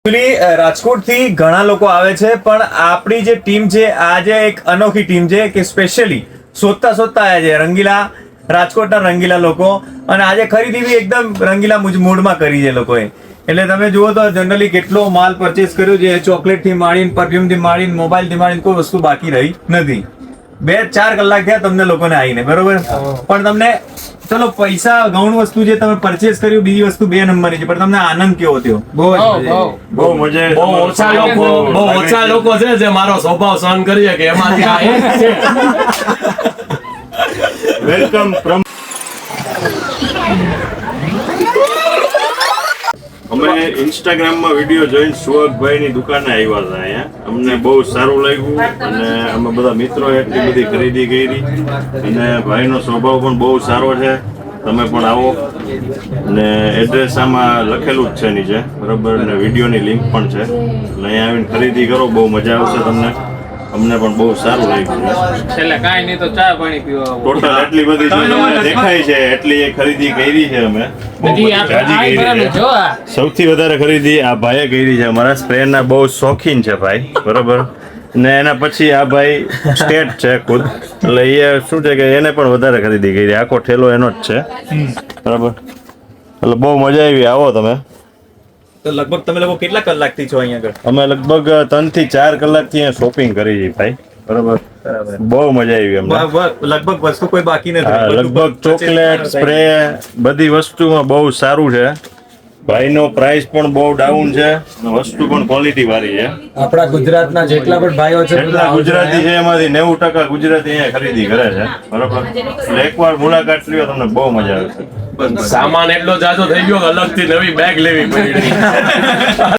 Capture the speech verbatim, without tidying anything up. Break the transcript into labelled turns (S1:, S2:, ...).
S1: રાજકોટ થી ઘણા લોકો આવે છે પણ આપણી જે ટીમ છે આજે એક અનોખી ટીમ છે કે સ્પેશિયલી શોધતા શોધતા આવ્યા છે રંગીલા રાજકોટના રંગીલા લોકો અને આજે ખરીદી બી એકદમ રંગીલા મૂડમાં કરી છે લોકોએ. એટલે તમે જુઓ તો જનરલી કેટલો માલ પરચેસ કર્યો છે, ચોકલેટ થી માંડીને પરફ્યુમ થી માંડીને મોબાઈલ થી માંડીને કોઈ વસ્તુ બાકી રહી નથી. બે ચાર કલાક થયા તમને લોકોને આવીને, બરોબર? પણ તમને ચલો પૈસા ગૌણ વસ્તુ જે તમે પરચેસ કર્યું બીજી વસ્તુ બે નંબરની છે, પણ તમને આનંદ કેવો થયો?
S2: બહુ બહુ મજા. બહુ ઓછા લોકો બહુ ઓછા લોકો છે જે મારો સ્વભાવ સહન કરી શકે એમાંથી આ એક છે.
S3: Welcome from. અમે ઇન્સ્ટાગ્રામમાં વિડીયો જોઈને સુવકભાઈ ની દુકાને આવ્યા હતા અહીંયા. અમને બહુ સારું લાગ્યું અને અમે બધા મિત્રો એટલી બધી ખરીદી કરી અને ભાઈનો સ્વભાવ પણ બહુ સારો છે. તમે પણ આવો અને એડ્રેસ આમાં લખેલું જ છે નીચે, બરાબર? અને વિડીયોની લિંક પણ છે. એટલે અહીંયા આવીને ખરીદી કરો, બહુ મજા આવશે તમને. અમને પણ બહુ સારું લાગ્યું.
S4: છેલ્લે કાંઈ નહીં તો ચા પાણી પીવા
S3: ટોટલ એટલી બધી જો તમને દેખાય છે એટલી એ ખરીદી કરી છે અમે. સૌથી વધારે ખરીદી આ ભાઈએ કરી છે. અમારા સ્પ્રેના બહુ શોખીન છે ભાઈ, બરોબર? ને એના પછી આ ભાઈ સ્ટેટ છે ખુદ, એટલે એ શું છે કે એને પણ વધારે ખરીદી કરી. આખો ઠેલો એનો જ છે, બરાબર? એટલે બહુ મજા આવી. આવો તમે.
S1: તો લગભગ તમે લોકો કેટલા કલાકથી છો અહીંયા આગળ?
S3: અમે લગભગ ત્રણ થી ચાર કલાકથી અહીંયા શોપિંગ કરી છે ભાઈ, બરાબર? બહુ મજા આવી અમને.
S1: લગભગ વસ્તુ કોઈ બાકી નથી.
S3: હા, લગભગ ચોકલેટ, સ્પ્રે, બધી વસ્તુમાં બહુ સારું છે. ભાઈનો પ્રાઇસ પણ બહુ ડાઉન છે, વસ્તુ પણ ક્વોલિટી વાળી છે.
S5: આપણા ગુજરાતના જેટલા પણ ભાઈઓ છે
S3: જેટલા ગુજરાતી છે એમાંથી નેવું ટકા ગુજરાતી અહીંયા ખરીદી કરે છે, બરાબર? એટલે એકવાર મુલાકાત લ્યો, તમને બહુ મજા આવશે.
S2: સામાન એટલો જાજો થઈ ગયો અલગથી નવી બેગ લેવી પડી.